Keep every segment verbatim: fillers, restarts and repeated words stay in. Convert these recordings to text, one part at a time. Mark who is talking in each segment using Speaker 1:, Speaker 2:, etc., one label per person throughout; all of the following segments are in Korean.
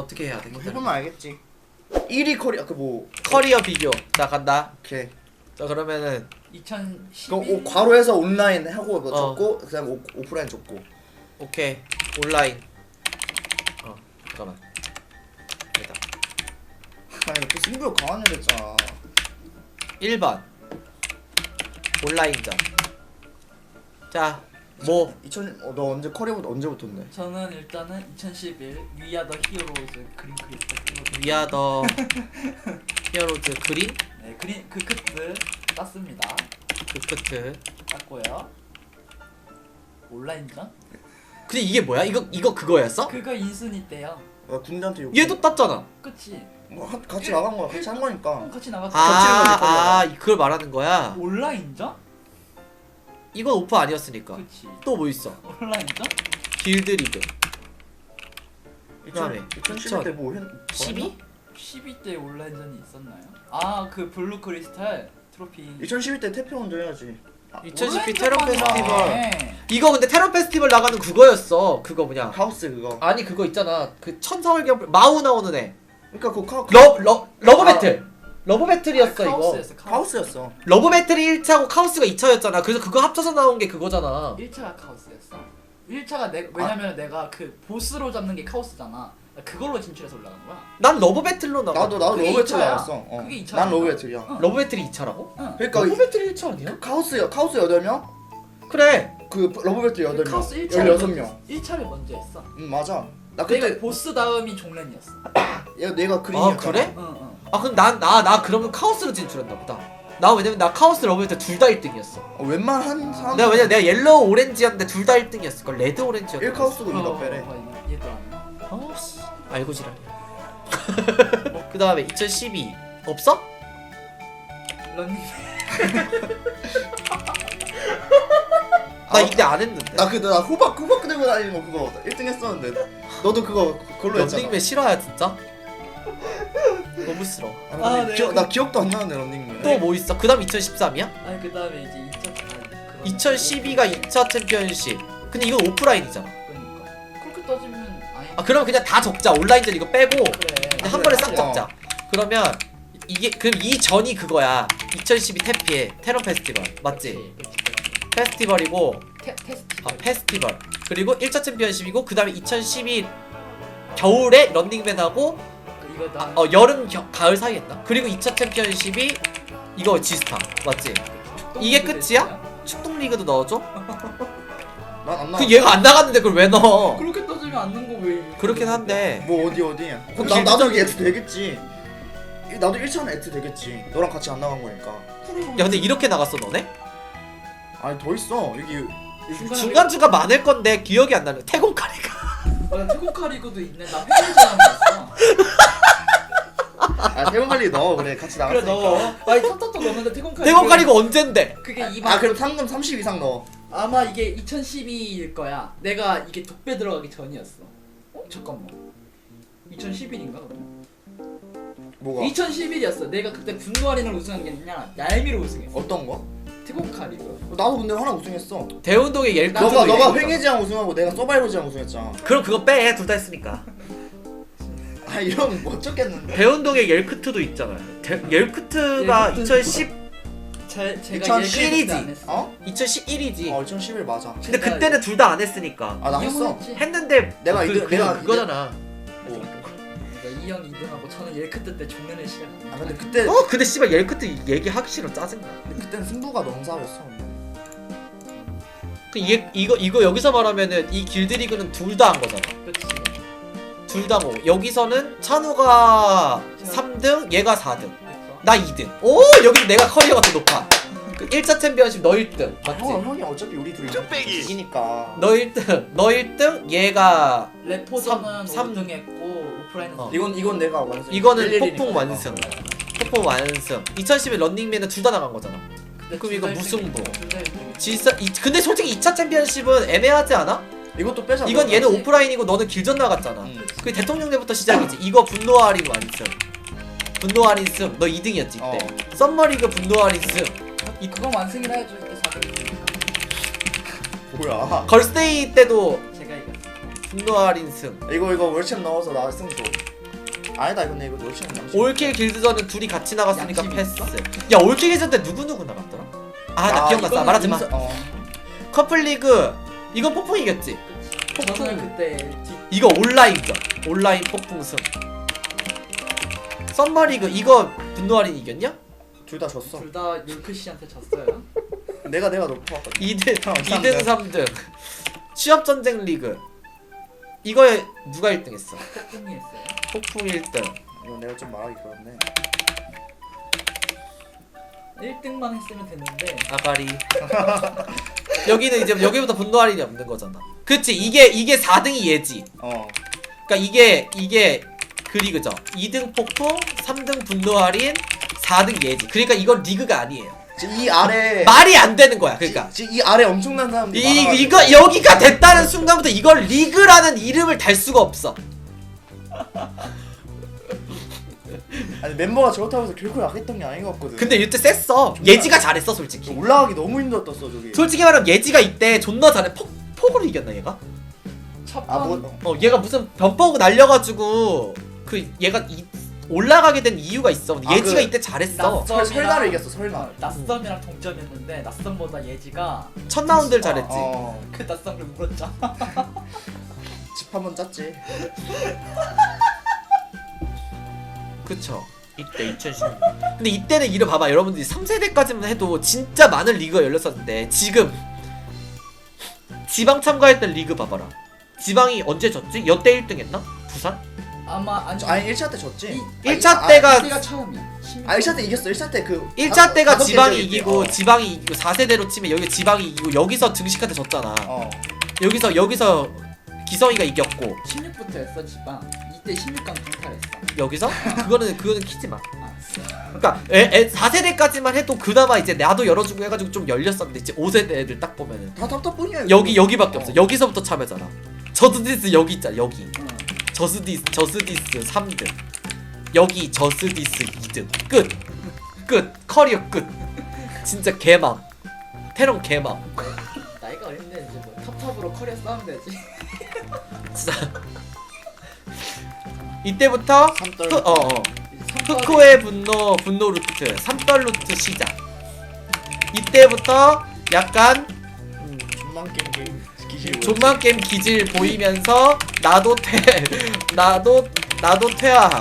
Speaker 1: 어떻게 해야 돼?
Speaker 2: 해보면 알겠지. 일 위 커리어 그뭐
Speaker 1: 커리어 비교. 자 간다.
Speaker 2: 오케이.
Speaker 1: 자 그러면은
Speaker 2: 그
Speaker 3: 이천십일
Speaker 2: 오, 괄호에서 온라인 하고 뭐
Speaker 1: 어.
Speaker 2: 적고 그다음 오, 오프라인 적고.
Speaker 1: 오케이 온라인. 어 잠깐만. 됐다.
Speaker 2: 아니 또 승부욕 강한 애 됐잖아.
Speaker 1: 일 번 온라인전. 자 뭐
Speaker 2: 이천 어, 너 언제 커리어부터 언제부터인데?
Speaker 3: 저는 일단은 이천십일 위아 더 히어로즈 그린 크리스탈
Speaker 1: 위아더 히어로즈 그린
Speaker 3: 네 그린 그 크트 땄습니다.
Speaker 1: 그크트.
Speaker 3: 땄고요. 온라인전?
Speaker 1: 근데 이게 뭐야? 이거 이거 그거였어?
Speaker 3: 그거 인순이 때요.
Speaker 2: 나 군대한테 욕.
Speaker 1: 얘도 땄잖아.
Speaker 3: 그치?
Speaker 2: 뭐 하, 같이 나간 거야. 같이 한 거니까.
Speaker 3: 어, 같이 나갔어.
Speaker 1: 아,
Speaker 2: 거지,
Speaker 1: 아, 그걸 말하는 거야.
Speaker 3: 온라인전?
Speaker 1: 이건 오프 아니었으니까.
Speaker 3: 그치?
Speaker 1: 또 뭐 있어?
Speaker 3: 온라인전?
Speaker 1: 길드 리그. 그다음에
Speaker 2: 이천십일 때뭐 했?
Speaker 1: 십이?
Speaker 3: 십이 때 온라인전이 있었나요? 아 그 블루 크리스탈 트로피.
Speaker 2: 이천십일 때 태평원도 해야지.
Speaker 1: 이천십이
Speaker 3: 온라인전만
Speaker 1: 테러 페스티벌.
Speaker 3: 하네.
Speaker 1: 이거 근데 테러 페스티벌 나가는 그거였어. 그거 뭐냐?
Speaker 2: 하우스 그거.
Speaker 1: 아니 그거 있잖아. 그 천사월경 마우 나오는 애.
Speaker 2: 그러니까 그 카,
Speaker 1: 러, 러, 러브
Speaker 2: 아.
Speaker 1: 배틀. 러브 배틀이었어
Speaker 3: 아,
Speaker 1: 이거.
Speaker 3: 카오스였어, 카오스.
Speaker 2: 하우스였어.
Speaker 1: 러브 배틀이 일 차고 카오스가 이 차였잖아. 그래서 그거 합쳐서 나온 게 그거잖아.
Speaker 3: 일 차가 카오스였어. 일 차가 내 왜냐면 내가 그 보스로 잡는 게 카오스잖아. 그걸로 진출해서 올라간 거야.
Speaker 1: 난 러브 배틀로 나가.
Speaker 2: 나도 나도
Speaker 3: 그게
Speaker 2: 러브 배틀
Speaker 3: 이 차야.
Speaker 2: 나왔어. 어.
Speaker 3: 그게 이 차
Speaker 2: 난
Speaker 3: 아닌가?
Speaker 2: 러브 배틀이야.
Speaker 3: 응.
Speaker 1: 러브 배틀이 이 차라고?
Speaker 3: 응.
Speaker 2: 그러니까
Speaker 1: 러브
Speaker 2: 이,
Speaker 1: 배틀이 일 차 아니야?
Speaker 2: 카우스야. 카우스 여덟 명?
Speaker 1: 그래.
Speaker 2: 그 러브 배틀 여덟 명.
Speaker 3: 카오스 일 차
Speaker 2: 열여섯 명.
Speaker 3: 일 차를 먼저 했어.
Speaker 2: 응 맞아. 나
Speaker 3: 내가
Speaker 2: 그때
Speaker 3: 보스 다음이 종렌이었어.
Speaker 2: 얘가 내가 그린이었잖아.
Speaker 1: 아 그래?
Speaker 3: 응, 응.
Speaker 1: 아 그럼 난 나 나 그러면 카오스로 진출했나 보다. 나 왜냐면 나 카오스 러브 배틀 둘 다 일 등이었어.
Speaker 2: 어, 웬만한 사람.
Speaker 1: 내가 왜냐면 내가 옐로우 오렌지였는데 둘 다 일 등이었을 걸. 레드 오렌지였어.
Speaker 2: 일 카우스고
Speaker 3: 어,
Speaker 2: 니가 빼래.
Speaker 3: 어, 얘도 안.
Speaker 1: 아씨 알고 지랄이야. 그 다음에 이천십이 없어?
Speaker 3: 런닝.
Speaker 1: 나
Speaker 2: 아,
Speaker 1: 이때 안 했는데.
Speaker 2: 나 그때 나 호박 호박 들고 다니는 거 그거 일 등 했었는데. 너도 그거 그걸로 했잖아.
Speaker 1: 런닝맨 싫어야 진짜? 너무 싫어.
Speaker 2: 아,
Speaker 3: 아,
Speaker 2: 아,
Speaker 3: 네.
Speaker 2: 기억, 나 기억도 안 나는데 런닝맨.
Speaker 1: 또 뭐 있어? 그 다음 이천십삼이야?
Speaker 3: 아니 그 다음에 이제 이천. 아니, 그거.
Speaker 1: 이천십이가 이 차 챔피언십. 근데 이건 오프라인이잖아.
Speaker 3: 그러니까. 그렇게 따지면 아니.
Speaker 1: 아 그럼 그냥 다 적자. 온라인전 이거 빼고
Speaker 3: 그래.
Speaker 1: 그냥 한 번에 싹
Speaker 2: 어.
Speaker 1: 적자. 그러면 이게 그럼 이 전이 그거야. 이천십이 태피의 테러 페스티벌 맞지?
Speaker 3: 그치, 그치, 그치.
Speaker 1: 페스티벌이고
Speaker 3: 테, 테스트.
Speaker 1: 아 페스티벌 그리고 일 차 챔피언십이고 그 다음에 이천십이 겨울에 런닝맨하고
Speaker 3: 이거 나.
Speaker 1: 어 여름 겨, 가을 사이 했나? 그리고 이 차 챔피언십이 이거 지스타 맞지? 이게 끝이야? 축동 리그도 넣어줘?
Speaker 2: 난안 나.
Speaker 1: 그 얘가 안 나갔는데 그걸 왜 넣어?
Speaker 3: 그렇게 따지면 안 넣은 거 왜?
Speaker 1: 그렇긴 한데
Speaker 2: 뭐 어디 어디?
Speaker 1: 그
Speaker 2: 나 나도
Speaker 1: 길드장이-
Speaker 2: 여기 애트 되겠지. 나도 일 차는 애트 되겠지. 너랑 같이 안 나간 거니까.
Speaker 1: 야 근데 이렇게 나갔어 너네?
Speaker 2: 아니 더 있어 여기. 여기
Speaker 1: 중간중간 많을 건데 기억이 안 나네. 태공카리가
Speaker 3: 아, 태국카 리그도 있네. 나 페이지랑 있어.
Speaker 2: 아 태원관리 넣어 그래 같이
Speaker 3: 그래
Speaker 2: 나갔으니까.
Speaker 3: 넣어. 아니 탑탑도 넣었는데 태국카.
Speaker 1: 태공카리가 언젠데?
Speaker 3: 그게 이만.
Speaker 2: 아 그럼 상금 삼십 이상 넣어.
Speaker 3: 아마 이게 이천십이일 거야. 내가 이게 독배 들어가기 전이었어. 어 잠깐만. 이천십일인가 그러면?
Speaker 2: 뭐가?
Speaker 3: 이천십일이었어. 내가 그때 분노아리를 우승한 게 아니라 얄미로 우승했어.
Speaker 2: 어떤 거?
Speaker 3: 태국카 리그.
Speaker 2: 나도 근데 하나 우승했어.
Speaker 1: 대운동의 옐크트도
Speaker 2: 너가 너가
Speaker 1: 있었잖아.
Speaker 2: 횡예지향 우승하고 내가 서바이벌지향 우승했잖아.
Speaker 1: 그럼 그거 빼. 둘 다 했으니까.
Speaker 2: 아 이러면 못 쫓겠는데.
Speaker 1: 대운동의 옐크트도 있잖아. 데, 옐크트가
Speaker 3: 옐크트.
Speaker 1: 이천십
Speaker 3: 제 제가
Speaker 1: 이천십일이지.
Speaker 3: 안 했어.
Speaker 2: 어?
Speaker 1: 이천십일이지.
Speaker 2: 어 이천십일 맞아.
Speaker 1: 근데
Speaker 3: 제가
Speaker 1: 그때는 둘 다 안 했으니까.
Speaker 2: 아 나 했어.
Speaker 3: 이영훈 했지.
Speaker 1: 했는데
Speaker 2: 내가
Speaker 1: 그,
Speaker 2: 이등-
Speaker 1: 그,
Speaker 2: 내가
Speaker 1: 그거잖아.
Speaker 2: 뭐.
Speaker 3: 이형 이 등하고 저는 옐크트 때 종련을 시작한.
Speaker 2: 아 근데 그때
Speaker 1: 어 근데 씨발 옐크트 얘기하기 싫어. 짜증나.
Speaker 2: 근데 그때는 승부가 너무 싸웠어.
Speaker 1: 그 이게 이거 이거 여기서 말하면은 이 길드 리그는 둘 다 한 거잖아.
Speaker 3: 그렇지.
Speaker 1: 둘 다 뭐. 여기서는 찬우가 삼 등, 얘가 사 등.
Speaker 3: 그래서
Speaker 1: 나 이 등. 오 여기 내가 커리어가 더 높아. 그 일 차 챔피언십 너 일 등 맞지?
Speaker 2: 형 형이 어차피 우리 둘이 이기니까.
Speaker 1: 너 일 등, 너 일 등, 얘가
Speaker 3: 레포전은
Speaker 1: 삼-
Speaker 3: 오 등 했고 오프라인은
Speaker 1: 어.
Speaker 2: 이건 이건 내가 완승.
Speaker 1: 이거는
Speaker 2: 일일이니까.
Speaker 1: 폭풍 완승. 폭풍 완승. 이천십일 런닝맨은 둘 다 나간 거잖아.
Speaker 3: 근데
Speaker 1: 그럼
Speaker 3: 둘
Speaker 1: 이거
Speaker 3: 다
Speaker 1: 무승부.
Speaker 3: 일 등이고, 둘다 일 등이고.
Speaker 1: 진짜 이, 근데 솔직히 이 차 챔피언십은 애매하지 않아?
Speaker 2: 이것도 빼자.
Speaker 1: 이건 얘는
Speaker 3: 그렇지.
Speaker 1: 오프라인이고 너는 길전 나갔잖아.
Speaker 2: 응.
Speaker 1: 그 대통령 대부터 시작이지. 이거 분노 할인 완승. 분노 할인 승. 너 이 등이었지 이때.
Speaker 2: 어.
Speaker 1: 썸머리그 분노 할인 승.
Speaker 3: 이 그건 완승이라 해줘. 이때 사 등.
Speaker 2: 뭐야?
Speaker 1: 걸스데이 때도
Speaker 3: 제가 이겼어.
Speaker 1: 분노 할인 승.
Speaker 2: 이거 이거 월챔 넣어서 나 승 줘. 아니다 근데 이거 롤치는 양심.
Speaker 1: 올킬 길드전은 둘이 같이 나갔으니까
Speaker 3: 양심이
Speaker 1: 패스.
Speaker 3: 있어?
Speaker 1: 야 올킬 길드전 때 누구 누구 나갔더라? 아 나 기억났어.
Speaker 3: 이거는
Speaker 1: 말하지 마.
Speaker 2: 인사- 어.
Speaker 1: 커플리그 이건 폭풍이겠지.
Speaker 3: 저는 그때 디,
Speaker 1: 이거 온라인전. 온라인 폭풍승. 썸머리그 이거 분노할인 이겼냐?
Speaker 2: 둘 다 졌어.
Speaker 3: 둘다 율크 씨한테 졌어요.
Speaker 2: 내가 내가 높아왔거든.
Speaker 1: 이 등
Speaker 2: 어,
Speaker 1: 이 등 삼 등. 취업전쟁 리그. 이거에 누가 일 등 했어?
Speaker 3: 폭풍이 했어요.
Speaker 1: 폭풍 일 등.
Speaker 2: 이거 내가 좀 말하기 그렇네.
Speaker 3: 일 등만 했으면 됐는데
Speaker 1: 아가리. 여기는 이제 여기부터 분노 할인이 없는 거잖아. 그치 이게 이게 사 등이 얘지.
Speaker 2: 어.
Speaker 1: 그러니까 이게 이게 그 리그죠. 이 등 폭풍, 삼 등 분노 할인, 사 등 얘지. 그러니까 이건 리그가 아니에요.
Speaker 2: 지금 이 아래
Speaker 1: 말이 안 되는 거야. 그러니까
Speaker 2: 지금 이 아래 엄청난 사람들이
Speaker 1: 이
Speaker 2: 많아가지고.
Speaker 1: 이거 여기가 됐다는 순간부터 이걸 리그라는 이름을 달 수가 없어.
Speaker 2: 아니 멤버가 저렇다고 해서 결코 약했던 게 아닌 것 같거든.
Speaker 1: 근데 이때 셌어. 예지가 잘했어 솔직히.
Speaker 2: 올라가기 너무 힘들었어 저기.
Speaker 1: 솔직히 말하면 예지가 이때 존나 잘해. 폭 폭으로 이겼나 얘가?
Speaker 3: 첫판
Speaker 2: 아 뭐?
Speaker 1: 어 얘가 무슨 변버그 날려가지고 그 얘가 이, 올라가게 된 이유가 있어. 근데
Speaker 2: 아,
Speaker 1: 예지가
Speaker 2: 그
Speaker 1: 이때 잘했어.
Speaker 2: 설 설날을 이겼어 설날.
Speaker 3: 낯섬이랑 동점했는데 낯섬보다 예지가
Speaker 1: 첫 라운드를 잘했지.
Speaker 2: 어.
Speaker 3: 그 낯섬을 물었잖아.
Speaker 2: 집 한번 짰지.
Speaker 1: 그쵸. 이때 이천십육. 근데 이때는 이를 봐봐 여러분들이 삼 세대까지만 해도 진짜 많은 리그가 열렸었는데 지금 지방 참가했던 리그 봐봐라. 지방이 언제 졌지? 여태 일 등 했나? 부산?
Speaker 3: 아마 아니
Speaker 2: 아니 일 차 때 졌지.
Speaker 1: 일 차
Speaker 2: 아,
Speaker 1: 때가
Speaker 3: 이때가 처음이야.
Speaker 2: 아 일 차 때 이겼어. 일 차 때 그
Speaker 1: 일 차 때가
Speaker 2: 다섯 개
Speaker 1: 지방이
Speaker 2: 졌지.
Speaker 1: 이기고
Speaker 2: 어.
Speaker 1: 지방이 이기고 사 세대로 치면 여기 지방이 이기고 여기서 등식한테 졌잖아.
Speaker 2: 어.
Speaker 1: 여기서 여기서 기성이가 이겼고
Speaker 3: 십육부터 했어 지방. 이때 십육 강 강탈했어.
Speaker 1: 여기서 그거는 그거는 키지 마.
Speaker 3: 알았어.
Speaker 1: 그러니까 애, 애 사 세대까지만 해도 그나마 이제 나도 열어주고 해가지고 좀 열렸었는데 이제 오 세대 애들 딱 보면은
Speaker 2: 다 답답뿐이야.
Speaker 1: 여기 여기밖에
Speaker 2: 어.
Speaker 1: 없어. 여기서부터 참여잖아. 저스디스 여기 있잖아. 여기
Speaker 3: 응.
Speaker 1: 저스디스 저스디스 삼 등 여기 저스디스 이 등 끝. 끝. 커리어 끝. 진짜 개망. 테런 개망.
Speaker 3: 나이가 어린데 이제 뭐 탑탑으로 커리어 싸우면 되지.
Speaker 1: 진짜 이때부터
Speaker 2: 삼떨.
Speaker 1: 흑, 어, 어.
Speaker 3: 삼
Speaker 1: 흑호의 분노 분노 루트 삼떨 루트 시작. 이때부터 약간
Speaker 2: 음, 존만 게임 게임 기질.
Speaker 1: 존만 게임 기질 보이면서 나도 퇴 나도 나도 퇴화함.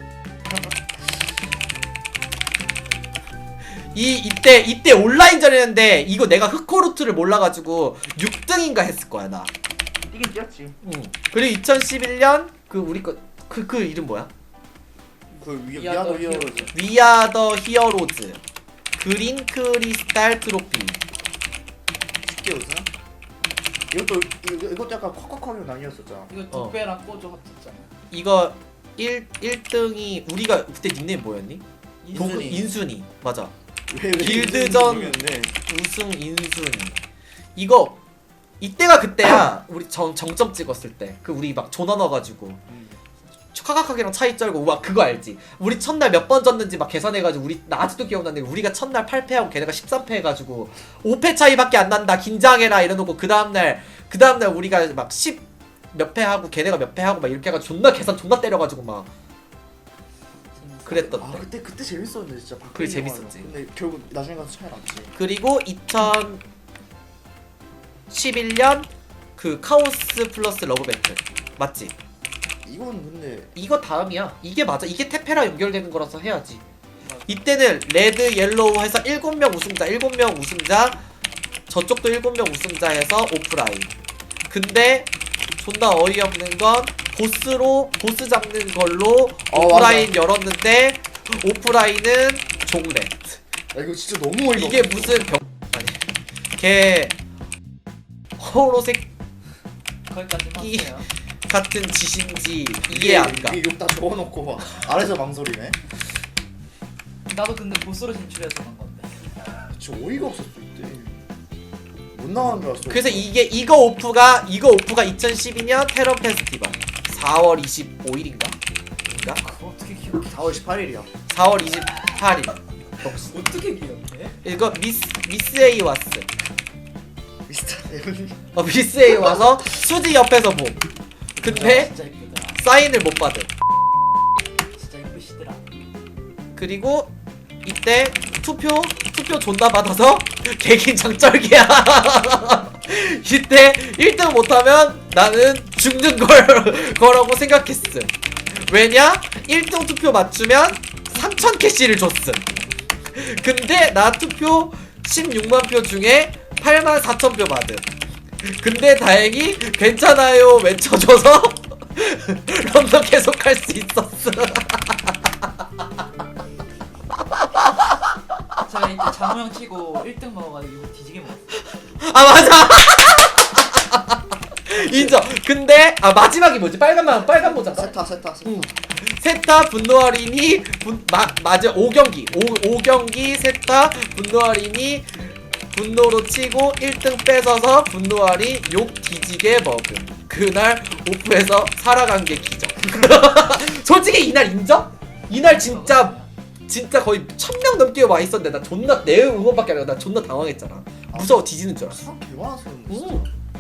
Speaker 1: 이 이때 이때 온라인전이었는데 이거 내가 흑호 루트를 몰라가지고 육 등인가 했을 거야 나.
Speaker 2: 이긴 뛰었지.
Speaker 1: 응. 그리고 이천십일 년 그 우리 거 그 그 이름 뭐야?
Speaker 2: 그 위,
Speaker 3: 위아더
Speaker 2: 위아더 히어로즈.
Speaker 1: 위아 더 히어로즈 그린 크리스탈 트로피.
Speaker 2: 쉽게 우승? 이것도 이거, 이것도 약간 콱콱콱이 나뉘었었잖아.
Speaker 3: 이거
Speaker 1: 어.
Speaker 3: 독배랑 꼬조 합쳤잖아.
Speaker 1: 이거 일, 일 등이 우리가 그때 닉네임 뭐였니? 도-
Speaker 2: 인순이.
Speaker 1: 인순이 맞아.
Speaker 2: 왜, 왜
Speaker 1: 길드전
Speaker 2: 모르겠네.
Speaker 1: 우승 인순이. 이거 이때가 그때야. 우리 정, 정점 찍었을 때 그 우리 막 조나 넣어가지고
Speaker 2: 음.
Speaker 1: 카카카기랑 차이 쩔고 와 그거 알지? 우리 첫날 몇 번 졌는지 막 계산해가지고 우리 나 아직도 기억나는데 우리가 첫날 팔 패하고 걔네가 십삼 패 해가지고 오 패 차이밖에 안 난다 긴장해라 이러놓고 그 다음날 그 다음날 우리가 막 십 몇 패 하고 걔네가 몇 패 하고 막 이렇게 해가지고 존나 계산 존나 때려가지고 막 그랬던
Speaker 2: 아
Speaker 1: 때.
Speaker 2: 그때 그때 재밌었는데 진짜.
Speaker 1: 그게
Speaker 2: 바뀌는
Speaker 1: 재밌었지.
Speaker 2: 영화는. 근데 결국 나중에 가서 차이 났지.
Speaker 1: 그리고 이천십일 년 그 카오스 플러스 러브 배틀 맞지?
Speaker 2: 이건 근데
Speaker 1: 이거 다음이야. 이게 맞아. 이게 테페라 연결되는 거라서 해야지. 이때는 레드, 옐로우 해서 일곱 명 우승자, 일곱 명 우승자, 저쪽도 일곱 명 우승자 해서 오프라인. 근데 존나 어이없는 건 보스로 보스 잡는 걸로
Speaker 2: 어,
Speaker 1: 오프라인 열었는데 오프라인은 종렛.
Speaker 2: 야 이거 진짜 너무 어이가
Speaker 1: 이게
Speaker 2: 없어.
Speaker 1: 무슨 병 아니 걔 호로색
Speaker 3: 거기까지만
Speaker 1: 이-
Speaker 3: 하세요.
Speaker 1: 같은 짓인지 이해 안 가.
Speaker 2: 이게 욕다 적어놓고 막 아래서 망설이네.
Speaker 3: 나도 근데 보스로 진출해서 간 건데.
Speaker 2: 진짜 어이가 없었어 이때. 못 나가는 줄 알았어.
Speaker 1: 그래서 이게 이거 오프가 이거 오프가 이천십이 년 테러 페스티벌 사월 이십오일인가? 인가?
Speaker 3: 그거 어떻게 기억해?
Speaker 2: 사월 십팔일이야.
Speaker 1: 사월 이십팔일. 역시.
Speaker 3: 어떻게 기억해?
Speaker 1: 이거 미스 미스 A 왔어.
Speaker 2: 미스터 에븐.
Speaker 1: 어 미스 A 와서 수지 옆에서 봄. 근데
Speaker 3: 진짜 이쁘더라.
Speaker 1: 사인을 못 받은. 그리고 이때 투표 투표 존나 받아서 개긴장 쩔기야. 이때 일 등 못하면 나는 죽는 걸 거라고 생각했음. 왜냐? 일 등 투표 맞추면 삼천 캐시를 줬음. 근데 나 투표 십육만 표 중에 팔만 사천 표 받음. 근데 다행히 괜찮아요 외쳐줘서 런던 계속 할 수 있었어.
Speaker 3: 제가 이때 장우형 치고 일 등 먹어가지고 뒤지게 먹었어.
Speaker 1: 아 맞아. 인정. 근데 아 마지막이 뭐지? 빨간 마 빨간 모자가.
Speaker 2: 세타 세타 세타.
Speaker 1: 응. 세타 분노할인이 분, 마, 맞아 오 경기 오 경기 세타 분노할인이 분노로 치고 일 등 뺏어서 분노할인 욕 뒤지게 먹음. 그날 오프에서 살아간 게 기적. 솔직히 이날 인정? 이날 진짜 진짜 거의 천 명 넘게 와 있었는데 나 존나 내 응원밖에 안 하고 나 존나 당황했잖아. 무서워 뒤지는 줄 알았어.
Speaker 2: 사람 개 많았어.
Speaker 1: 응.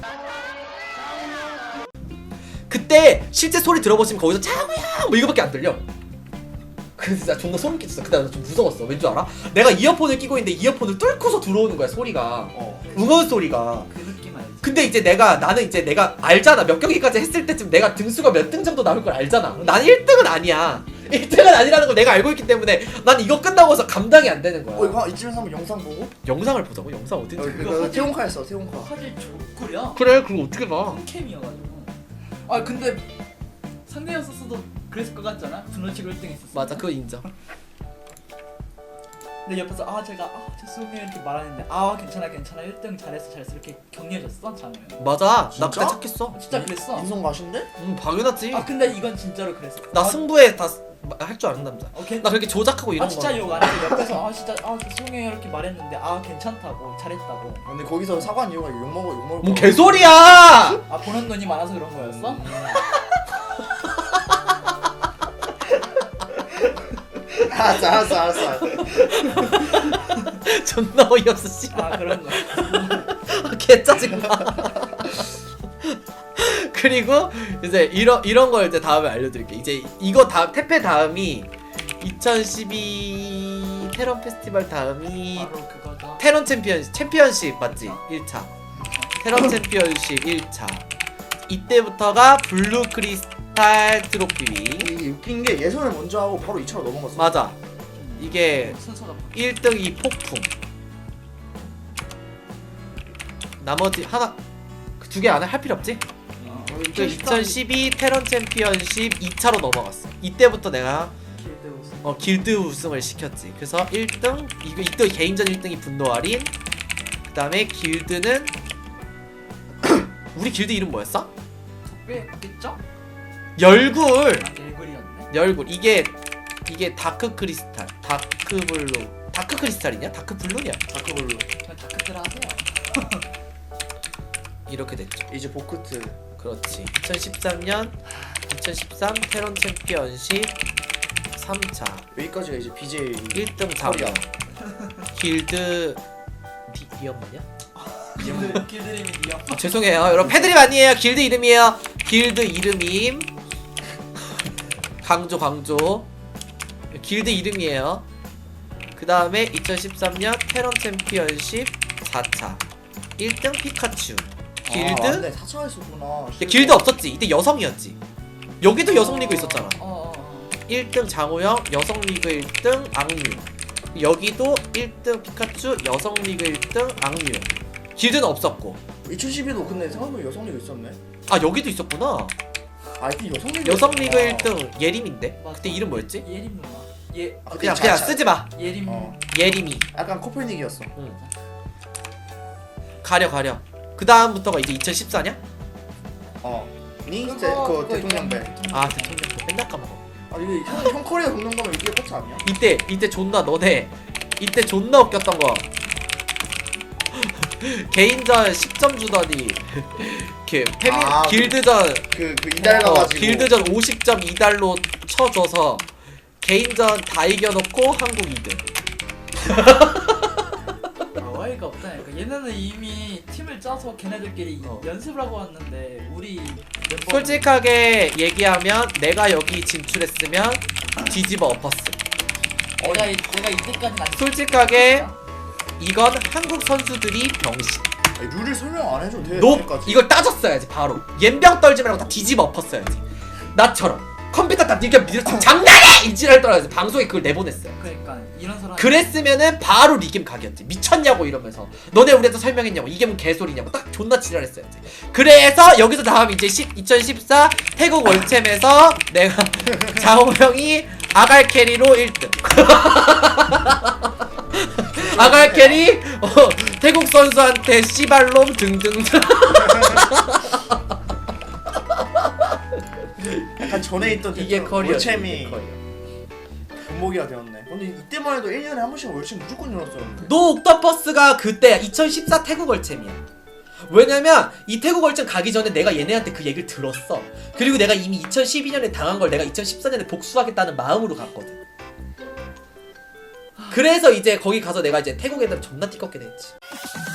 Speaker 1: 그때 실제 소리 들어보시면 거기서 장우야 뭐 이거밖에 안 들려. 그래서 진짜 존나 소름 끼쳤어. 그때 나 좀 무서웠어. 왠 줄 알아? 내가 이어폰을 끼고 있는데 이어폰을 뚫고서 들어오는 거야 소리가.
Speaker 2: 어.
Speaker 1: 응원 소리가.
Speaker 3: 그 느낌 알지?
Speaker 1: 근데 이제 내가 나는 이제 내가 알잖아. 몇 경기까지 했을 때쯤 내가 등수가 몇 등 정도 나올 걸 알잖아. 나는 일 등은 아니야. 일 등은 아니라는 걸 내가 알고 있기 때문에 난 이거 끝나고서 감당이 안 되는 거야.
Speaker 2: 어 이거 이쯤에서 한번 영상 보고.
Speaker 1: 영상을 보자고? 영상 어딘지.
Speaker 2: 여기
Speaker 3: 그거
Speaker 2: 그
Speaker 3: 사진-
Speaker 2: 태용카였어 태용카.
Speaker 3: 화질 좋구려.
Speaker 1: 그래 그거 어떻게 봐.
Speaker 3: 홈캠이어가지고. 아 근데 상대였었어도 그랬을 것 같잖아. 분노치고 일 등 했었어.
Speaker 1: 맞아 그거 인정.
Speaker 3: 근데 옆에서 아 제가 아 죄송해요 이렇게 말하는데 아 괜찮아 괜찮아 일 등 잘했어 잘했어 이렇게 격려해줬어 장우형.
Speaker 1: 맞아 나
Speaker 2: 진짜?
Speaker 1: 그때 착했어.
Speaker 3: 진짜 그랬어.
Speaker 2: 인성 가신데?
Speaker 1: 응 당연하지.
Speaker 3: 아 근데 이건 진짜로 그랬어.
Speaker 1: 나
Speaker 3: 아,
Speaker 1: 승부에 다 할 줄 아는 남자.
Speaker 3: 어, 괜...
Speaker 1: 나 그렇게 조작하고 이런
Speaker 3: 아 진짜
Speaker 1: 거.
Speaker 3: 욕 안 해. 옆에서 아 진짜 아 죄송해요 이렇게 말했는데 아 괜찮다고 잘했다고.
Speaker 2: 아, 근데 거기서 사과한 이유가 욕 먹어 욕 먹을.
Speaker 1: 뭔
Speaker 2: 거.
Speaker 1: 개소리야!
Speaker 3: 아 보는 눈이 많아서 그런 거였어?
Speaker 2: 알았어 알았어 알았어.
Speaker 1: 존나 어이없어 씨발.
Speaker 3: 아 그런 거.
Speaker 1: 개 짜증나. 그리고 이제 이런 이런 걸 이제 다음에 알려드릴게. 이제 이거 다음 태페 다음이 이천십이 테런 페스티벌 다음이
Speaker 3: 바로 그거죠.
Speaker 1: 테런 챔피언 챔피언십 맞지? 일 차 테런 챔피언십 일 차 이때부터가 블루 크리스탈 트로피.
Speaker 2: 이게 웃긴 게 예선을 먼저 하고 바로 이 차로 넘어갔어.
Speaker 1: 맞아. 이게
Speaker 3: 순서가 바뀌-
Speaker 1: 일 등이 폭풍. 나머지 하나 그 두 개 안에 할 필요 없지?
Speaker 3: 어.
Speaker 1: 그 이천십이 테런 챔피언십 이 차로 넘어갔어. 이때부터 내가
Speaker 3: 길드 우승.
Speaker 1: 어, 길드 우승을 시켰지. 그래서 일 등 이거 이때 개인전 일 등이 분노할인. 그다음에 길드는 우리 길드 이름 뭐였어?
Speaker 3: 덕배겠죠?
Speaker 1: 열굴.
Speaker 3: 아 일글이었네.
Speaker 1: 열굴. 이게 이게 다크 크리스탈, 다크 블루. 다크 크리스탈이냐? 다크 블루냐?
Speaker 2: 다크블루.
Speaker 3: 그냥 다크들 하세요.
Speaker 1: 이렇게 됐죠.
Speaker 2: 이제 보크트.
Speaker 1: 그렇지. 이천십삼 년 이천십삼 테런 챔피언십 삼 차
Speaker 2: 여기까지가 이제 비제이
Speaker 1: 일 등 장우야. 길드 디, 디엄 맞냐?
Speaker 3: 길드 길드 이름이 니어.
Speaker 1: 아, 죄송해요 여러분 패드립 아니에요. 길드 이름이에요. 길드 이름임. 강조 강조. 길드 이름이에요. 그 다음에 이천십삼 년 테런 챔피언십 사 차 일 등 피카츄. 길드?
Speaker 2: 아, 맞네. 사 차 했었구나.
Speaker 1: 근데 길드 없었지. 이때 여성이었지. 여기도 여성 리그 있었잖아.
Speaker 3: 어, 어, 어.
Speaker 1: 일 등 장우영, 여성 리그 일 등 악뮤. 여기도 일 등 피카츄, 여성 리그 일 등 악뮤. 길드는 없었고.
Speaker 2: 이천십이도 근데 생각해보면 여성리그 있었네.
Speaker 1: 아 여기도 있었구나.
Speaker 2: 아 이때 여성리그.
Speaker 1: 여성 리그 일 등 예림인데.
Speaker 3: 맞아.
Speaker 1: 그때 이름 뭐였지?
Speaker 3: 예림 누나. 예
Speaker 2: 아,
Speaker 1: 그냥
Speaker 2: 자-
Speaker 1: 그냥
Speaker 2: 자-
Speaker 1: 쓰지 마.
Speaker 3: 예림.
Speaker 2: 어.
Speaker 1: 예림이.
Speaker 2: 약간 코per닉이었어.
Speaker 1: 응. 가려 가려. 그 다음부터가 이제 이천십사냐?
Speaker 2: 어. 니
Speaker 3: 그거-
Speaker 2: 대, 그
Speaker 3: 그거
Speaker 2: 대통령배.
Speaker 3: 있잖아.
Speaker 1: 아 대통령 거 맨날 까먹어.
Speaker 2: 아 이게 형, 형 커리어 겪는 거면 이게 끝이 아니야?
Speaker 1: 이때 이때 존나 너네 이때 존나 웃겼던 거. 개인전 십 점 주더니 그 페미
Speaker 2: 아,
Speaker 1: 길드전
Speaker 2: 그 그 이달
Speaker 1: 어,
Speaker 2: 가가지고.
Speaker 1: 길드전 오십 점 이 달로 쳐줘서 개인전 다 이겨놓고 한국 이 등.
Speaker 3: 아, 어이가 없다니까. 얘네는 이미 팀을 짜서 걔네들끼리
Speaker 1: 어.
Speaker 3: 연습을 하고 왔는데 우리 멤버
Speaker 1: 솔직하게 얘기하면 내가 여기 진출했으면 뒤집어 엎었음.
Speaker 3: 내가 이- 내가 이때까지 아직
Speaker 1: 솔직하게 이건 한국 선수들이 병신.
Speaker 2: 아니, 룰을 설명 안 해줘도 돼.
Speaker 1: 노
Speaker 2: 여기까지.
Speaker 1: 이걸 따졌어야지 바로. 옌병 떨지 말고 다 뒤집어 엎었어야지. 나처럼 컴퓨터 다 니가 밀어치고 장난해! 이지랄 떨어야지. 방송에 그걸 내보냈어요.
Speaker 3: 그러니까 이런 사람
Speaker 1: 그랬으면은 바로 리겜 각이었지. 미쳤냐고 이러면서 너네 우리한테 설명했냐고 이게 뭔 개소리냐고 딱 존나 지랄했어야지. 그래서 여기서 다음 이제 이천십사 태국 월챔에서 내가 장호 형이 아갈 캐리로 일 등 아갈 캐리 어, 태국 선수한테 씨발놈 등등등.
Speaker 2: 약간 전에 있던
Speaker 1: 이게
Speaker 2: 대처럼
Speaker 1: 커리어지.
Speaker 2: 월챔이
Speaker 1: 이게 커리어.
Speaker 2: 금목이가 되었네. 근데 이때만 해도 일 년에 한 번씩 월챔 무조건 열었었는데.
Speaker 1: 노 옥토퍼스가 그때야. 이천십사 태국 월챔이야. 왜냐면 이 태국 월챔 가기 전에 내가 얘네한테 그 얘기를 들었어. 그리고 내가 이미 이천십이 년에 당한 걸 내가 이천십사 년에 복수하겠다는 마음으로 갔거든. 그래서 이제 거기 가서 내가 이제 태국 애들 존나 띠껍게 됐지.